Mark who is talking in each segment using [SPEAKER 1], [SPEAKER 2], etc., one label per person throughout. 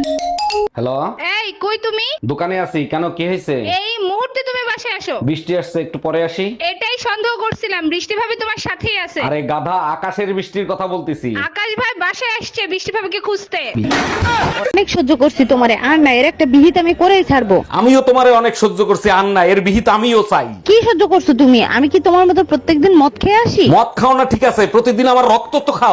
[SPEAKER 1] Hello,
[SPEAKER 2] এই কই তুমি?
[SPEAKER 1] দোকানে আছি। কেন, কি হয়েছে?
[SPEAKER 2] এই মুহূর্তে তুমি বাসায় আসো।
[SPEAKER 1] বৃষ্টি আসছে, একটু পরে আসি।
[SPEAKER 2] এটাই সন্দেহ করছিলাম, বৃষ্টি ভাবি তোমার সাথেই আছে।
[SPEAKER 1] আরে গাধা, আকাশের বৃষ্টির কথা বলতেছি।
[SPEAKER 2] আকাশ ভাই বাসায় আসছে বৃষ্টি ভাবিকে খুঁজতে।
[SPEAKER 3] অনেক সহ্য করছি তোমারে, আর না এর একটা বিহিত আমি করেই ছাড়বো।
[SPEAKER 1] আমিও তোমারে অনেক সহ্য করছি, আর না এর বিহিত আমিও চাই।
[SPEAKER 3] কি সহ্য করছো তুমি? আমি কি তোমার মতো প্রত্যেকদিন মদ খেয়ে আসি?
[SPEAKER 1] মদ খাও না ঠিক আছে, প্রতিদিন আমার রক্ত তো খাও।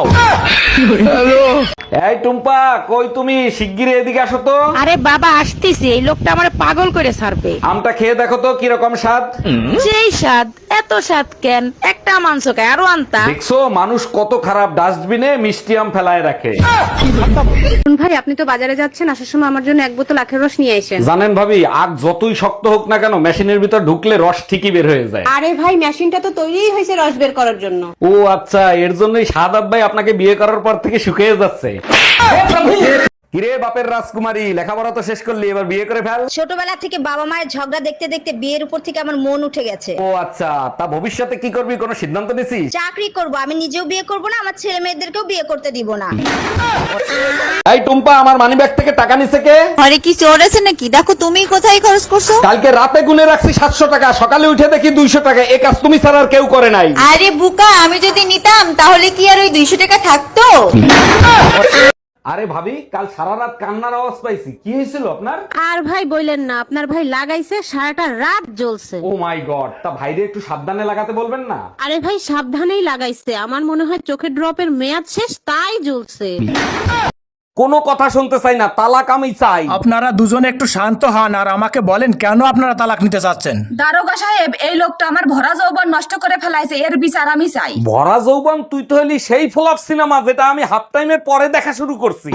[SPEAKER 1] এই টুম্পা, কই তুমি? শিগগিরই এদিকে আসো তো।
[SPEAKER 3] আরে বাবা আসতেছি, এই লোকটা আমার পাগল করে ছাড়বে।
[SPEAKER 1] আমটা খেয়ে দেখো তো কিরকম স্বাদ।
[SPEAKER 3] সেই স্বাদ, এত স্বাদ কেন? একটা মাংস খায়, আরো আনতা।
[SPEAKER 1] দেখছো মানুষ কত খারাপ, ডাস্টবিনে মিষ্টি আম ফেলায় রাখে।
[SPEAKER 3] ভাই আপনি তো বাজারে যাচ্ছেন, আসার সময় আমার জন্য এক বোতল আখের রস নিয়ে আসেন।
[SPEAKER 1] জানেন ভাবি, আগ যতই শক্ত হোক না কেন, মেশিনের ভিতর ঢুকলে রস ঠিকই বের হয়ে যায়।
[SPEAKER 3] আরে ভাই মেশিনটা তো তৈরিই হয়েছে রস বের করার জন্য।
[SPEAKER 1] ও আচ্ছা, এর জন্যই সাদাব ভাই আপনাকে বিয়ে করার পর থেকে শুকিয়ে যাচ্ছে। কিরে বাপের রাজকুমারী, লেখাপড়া তো শেষ করলি, এবার বিয়ে করে ফেল।
[SPEAKER 4] ছোটবেলা থেকে বাবা মায়ের ঝগড়া দেখতে দেখতে বিয়ের উপর থেকে আমার মন উঠে গেছে।
[SPEAKER 1] ও আচ্ছা, তা ভবিষ্যতে কি করবি, কোনো সিদ্ধান্ত নিছিস?
[SPEAKER 4] চাকরি করব, আমি নিজেও বিয়ে করব না, আমার ছেলে মেয়েদেরকেও বিয়ে করতে দিব না।
[SPEAKER 1] এই টুম্পা, আমার মানিব্যাগ থেকে টাকা নিছে কে?
[SPEAKER 5] আরে কি চোর আছে নাকি? দেখো তুমি কোথায় খরচ করছো।
[SPEAKER 1] কালকে রাতে গুনে রাখছি 700 টাকা, সকালে উঠে দেখি 200 টাকা। এই কাজ তুমি ছাড়া আর কেউ করে নাই।
[SPEAKER 5] আরে বুকা, আমি যদি নিতাম তাহলে কি আর ওই 200 টাকা থাকতো?
[SPEAKER 1] আরে ভাবি, কাল সারা রাত কান্নার আওয়াজ পাইছি, কি হয়েছিল আপনার?
[SPEAKER 3] আর ভাই বললেন না, আপনার ভাই লাগাইছে সারাটা রাত জ্বলছে।
[SPEAKER 1] ও মাই গড, তা ভাইরে একটু সাবধানে লাগাতে বলবেন না?
[SPEAKER 3] আরে ভাই সাবধানেই লাগাইছে, আমার মনে হয় চোখের ড্রপের মেয়াদ শেষ, তাই জ্বলছে।
[SPEAKER 1] কোনো কথা শুনতে চাই না, তালাক আমি চাই।
[SPEAKER 6] আপনারা দুজনে একটু শান্ত হন আর আমাকে বলেন কেন আপনারা তালাক নিতে চাচ্ছেন।
[SPEAKER 7] দারোগা সাহেব, এই লোকটা আমার ভরা যৌবন নষ্ট করে ফেলাইছে, এর বিচার আমি চাই।
[SPEAKER 1] ভরা যৌবন? তুই তো হলি সেই ফ্লপ সিনেমা যেটা আমি হাফ টাইমের পরে দেখা শুরু করছি।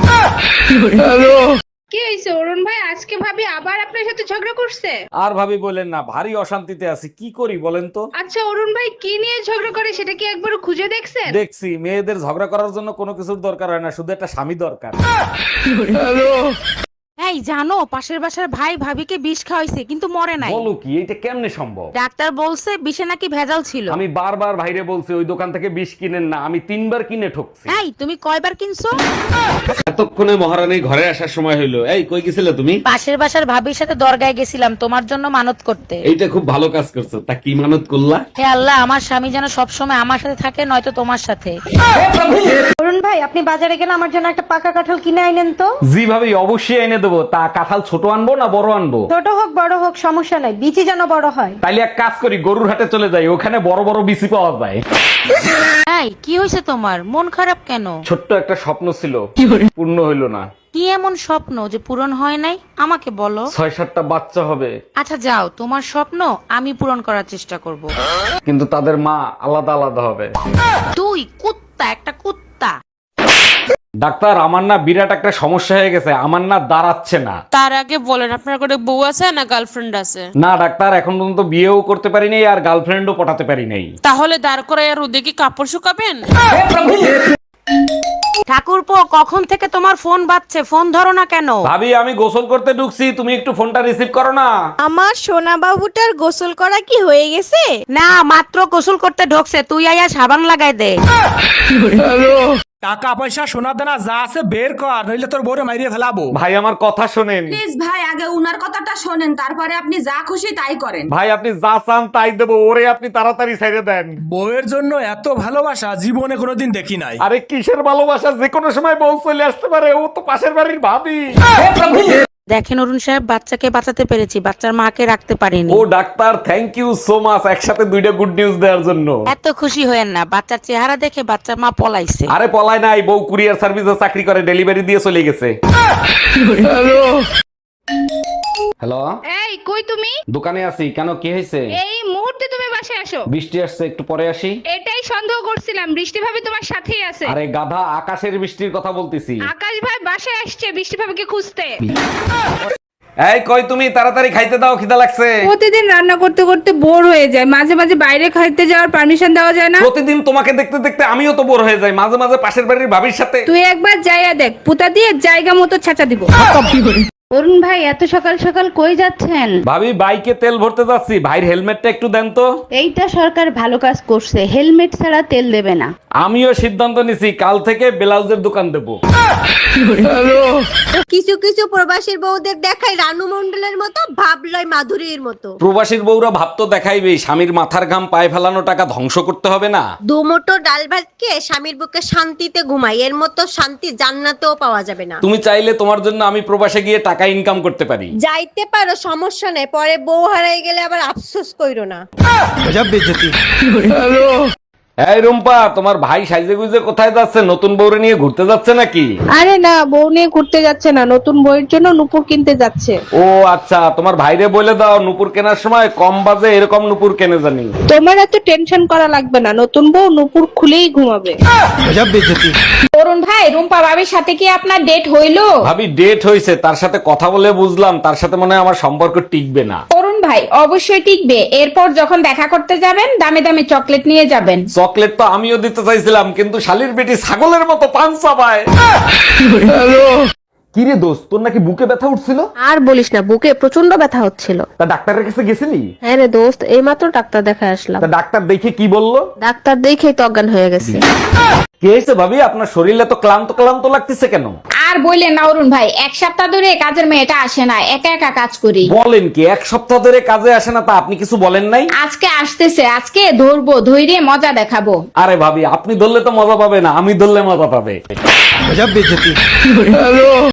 [SPEAKER 2] কি হয়েছে অরুণ ভাই, আজকে ভাবি আবার আপনার সাথে ঝগড়া করছে?
[SPEAKER 1] আর ভাবি বলেন না, ভারী অশান্তিতে আছি, কি করি বলেন তো?
[SPEAKER 2] আচ্ছা অরুণ ভাই কি নিয়ে ঝগড়া করে সেটা কি একবার খুঁজে দেখছেন?
[SPEAKER 1] দেখছি, মেয়েদের ঝগড়া করার জন্য কোনো কিছুর দরকার হয় না, শুধু একটা স্বামী দরকার।
[SPEAKER 3] এই জানো, পাশের বাসার ভাই ভাবিকে বিষ খাওয়াইছে কিন্তু মরে নাই।
[SPEAKER 1] বলো কি, এটা কেমনে সম্ভব?
[SPEAKER 3] ডাক্তার বলছে বিষে নাকি ভেজাল ছিল।
[SPEAKER 1] আমি বারবার ভাইরে বলছি ওই দোকান থেকে বিষ কিনেন না, আমি 3বার কিনে ঠকছি।
[SPEAKER 3] এই তুমি কয়বার কিনছো?
[SPEAKER 1] এতক্ষণে মহারানীর ঘরে আসার সময় হইলো। এই কই গেছিলে তুমি?
[SPEAKER 3] পাশের বাসার ভাবির সাথে দরগায় গেছিলাম তোমার জন্য মানত করতে।
[SPEAKER 1] এইটা খুব ভালো কাজ করছো, তা কি মানত করলা?
[SPEAKER 3] হে আল্লাহ, আমার স্বামী যেন সবসময় আমার সাথে থাকে, নয়তো তোমার সাথে। অরুণ ভাই আপনি বাজারে গেলে আমার জন্য একটা পাকা কাঁঠাল কিনে আইনেন তো।
[SPEAKER 1] জি ভাবি, অবশ্যই এনে দেবো। তা কাঁঠাল ছোট আনবো না বড় আনবো?
[SPEAKER 3] ছোট হোক বড় হোক সমস্যা নাই, বিচি যেন বড় হয়।
[SPEAKER 1] তাইলে এক কাজ করি, গরুর হাটে চলে যাই, ওখানে বড় বড় বিচি পাওয়া যায়।
[SPEAKER 3] এই কি হয়েছে তোমার, মন খারাপ কেন?
[SPEAKER 1] ছোট্ট একটা স্বপ্ন ছিল, পূর্ণ হইল না।
[SPEAKER 3] কি এমন স্বপ্ন যে পূরণ হয় নাই, আমাকে বলো।
[SPEAKER 1] 6-7টা বাচ্চা হবে,
[SPEAKER 3] আচ্ছা যাও, তোমার স্বপ্ন আমি পূরণ করার চেষ্টা করব।
[SPEAKER 1] কিন্তু তাদের মা আলাদা আলাদা হবে।
[SPEAKER 3] তুই কুত্তা, একটা কুত্তা।
[SPEAKER 1] ডাক্তার, আমার না বিরাট একটা সমস্যা হয়ে গেছে, আমার না দাঁড়াচ্ছে না।
[SPEAKER 8] তার আগে বলেন আপনার করে বউ আছে না গার্লফ্রেন্ড আছে?
[SPEAKER 1] না ডাক্তার, এখন পর্যন্ত বিয়েও করতে পারি নাই আর গার্লফ্রেন্ডও পটাতে পারি নাই।
[SPEAKER 8] তাহলে দাঁড় করে আর রোদে কি কাপড় শুকাবেন?
[SPEAKER 3] ঠাকুরপো, কখন থেকে তোমার ফোন বাজছে, ফোন ধরো না কেন?
[SPEAKER 1] ভাবি, আমি গোসল করতে ঢুকছি, তুমি একটু ফোনটা রিসিভ করো না।
[SPEAKER 5] আমার সোনা বাবুটার গোসল করা কি হয়ে গেছে?
[SPEAKER 3] না, মাত্র গোসল করতে ঢোকছে, তুই আয়া সাবান লাগাই দে।
[SPEAKER 6] টাকা পয়সা সোনা দানা যা আছে বের কর, নইলে তোর বউরে মাইরিয়ে ফেলাবো।
[SPEAKER 1] ভাই আমার কথা শোনেন।
[SPEAKER 7] প্লিজ ভাই, আগে উনার কথাটা শোনেন, তারপরে আপনি যা খুশি তাই করেন।
[SPEAKER 1] ভাই আপনি যা চান তাই দেবো, ওরে আপনি তাড়াতাড়ি ছেড়ে দেন।
[SPEAKER 6] বউয়ের জন্য এত ভালোবাসা জীবনে কোনোদিন দেখি নাই।
[SPEAKER 1] আরে কিসের ভালোবাসা, যে কোনো সময় বউ চলে আসতে পারে, ও তো পাশের বাড়ির ভাবি।
[SPEAKER 3] দেখেন অরুণ সাহেব, বাচ্চাকে বাঁচাতে পেরেছি, বাচ্চার মাকে রাখতে পারিনি।
[SPEAKER 1] ও doctor, thank you so much, একসাথে 2টা গুড নিউজ দেওয়ার জন্য।
[SPEAKER 3] এত খুশি হয়েন না, বাচ্চার চেহারা দেখে বাচ্চার মা পলাইছে।
[SPEAKER 1] আরে পলায় নাই, বউ কুরিয়ার সার্ভিসে চাকরি করে, ডেলিভারি দিয়ে চলে গেছে। হ্যালো,
[SPEAKER 2] এই কই তুমি?
[SPEAKER 1] দোকানে আছি। কেন, কি হয়েছে?
[SPEAKER 2] এই মুহূর্তে তুমি বাসায় আসো।
[SPEAKER 1] বৃষ্টি আসছে, একটু পরে আসি।
[SPEAKER 2] এটাই সন্দেহ করছিলাম, বৃষ্টি ভাবি তোমার সাথেই আছে।
[SPEAKER 1] আরে গাধা, আকাশের বৃষ্টির কথা বলতেছি।
[SPEAKER 2] আকাশ ভাই বাসায় আসছে বৃষ্টি ভাবিকে খুঁজতে।
[SPEAKER 1] এই কই তুমি, তাড়াতাড়ি খাইতে দাও, খিদা লাগছে।
[SPEAKER 2] প্রতিদিন রান্না করতে করতে বোর হয়ে যায়, মাঝে মাঝে বাইরে খাইতে যাওয়ার পারমিশন দেওয়া যায় না?
[SPEAKER 1] প্রতিদিন তোমাকে দেখতে দেখতে আমিও তো বোর হয়ে যাই, মাঝে মাঝে পাশের বাড়ির ভাবির সাথে।
[SPEAKER 2] তুই একবার যাইয়া দেখ, পুতা দিয়ে জায়গা মতো ছাঁচা দিব। অরুণ ভাই এত সকাল সকাল কই যাচ্ছেন?
[SPEAKER 1] ভাবি বাইকে তেল ভরতে যাচ্ছি, ভাইয়ের হেলমেটটা একটু দেন তো।
[SPEAKER 2] এইটা সরকার ভালো কাজ করছে, হেলমেট ছাড়া তেল দেবে না।
[SPEAKER 1] আমিও সিদ্ধান্ত নিছি কাল থেকে ব্লাউজের দোকান দেবো।
[SPEAKER 4] কিছু কিছু প্রবাসীর বউদের দেখায় রানু মন্ডলের মতো, ভাব লয় মাধুরীর মতো।
[SPEAKER 1] প্রবাসীর বউরা ভাব তো দেখাইবেই, স্বামীর মাথার ঘাম পায়ে ফেলানো টাকা ধ্বংস করতে হবে না।
[SPEAKER 4] দুমুঠো ডাল ভাত খেয়ে স্বামীর বুকে শান্তিতে ঘুমাই, এর মতো শান্তি জান্নাতেও পাওয়া যাবে না।
[SPEAKER 1] তুমি চাইলে তোমার জন্য আমি প্রবাসে গিয়ে টাকা ইনকাম করতে পারি।
[SPEAKER 4] যাইতে পারো, সমস্যা নেই, পরে বউ হারাই গেলে আবার আফসোস কইরো না।
[SPEAKER 1] এই রুম্পা, তোমার ভাই সাইজে গুজে কোথায় যাচ্ছে? নতুন বউরে নিয়ে ঘুরতে যাচ্ছে নাকি?
[SPEAKER 2] আরে না, বউ নিয়ে ঘুরতে যাচ্ছে না, নতুন বইয়ের জন্য নুপুর কিনতে যাচ্ছে।
[SPEAKER 1] ও আচ্ছা, তোমার ভাইরে বলে দাও নুপুর কেনার সময় কম বাজে এরকম নুপুর কেনে জানি।
[SPEAKER 2] তোমার এত টেনশন করা লাগবে না, নতুন বউ নুপুর খুলেই ঘুমাবে।
[SPEAKER 7] অরুণ ভাই, রুম্পা ভাবির সাথে কি আপনার ডেট হইলো?
[SPEAKER 1] ভাবি ডেট হইছে, তার সাথে কথা বলে বুঝলাম তার সাথে মনে হয় আমার সম্পর্ক টিকবে না।
[SPEAKER 7] অরুণ ভাই অবশ্যই টিকবে। এরপর যখন দেখা করতে যাবেন দামে দামে চকলেট নিয়ে যাবেন।
[SPEAKER 1] চকলেট তো আমিও দিতে চাইছিলাম, কিন্তু শালির বেটি ছাগলের মতো পান চাবায়। কি রে দোস্ত, তোর নাকি বুকে ব্যথা উঠছিল?
[SPEAKER 3] আর বলিস না, বুকে প্রচন্ড ব্যথা হচ্ছিল।
[SPEAKER 1] তা ডাক্তারের কাছে গেছিলি?
[SPEAKER 3] হ্যাঁ রে দোস্ত, এইমাত্র ডাক্তার দেখায় আসলাম।
[SPEAKER 1] তা ডাক্তার দেখে কি বললো?
[SPEAKER 3] ডাক্তার দেখেই তো অজ্ঞান হয়ে গেছে।
[SPEAKER 1] কি হয়েছে ভাবি, আপনার শরীরে তো ক্লান্ত ক্লান্ত লাগতেছে কেন?
[SPEAKER 7] আর বললেন না অরুণ ভাই, এক সপ্তাহ ধরে কাজের মেয়েটা আসে না, একা একা কাজ করি।
[SPEAKER 1] বলেন কি, এক সপ্তাহ ধরে কাজে আসে না? তা আপনি কিছু বলেন নাই?
[SPEAKER 7] আজকে আসতেছে, আজকে ধরবো, ধৈর্য মজা দেখাবো।
[SPEAKER 1] আরে ভাবি, আপনি ধরলে তো মজা পাবে না, আমি ধরলে মজা পাবে।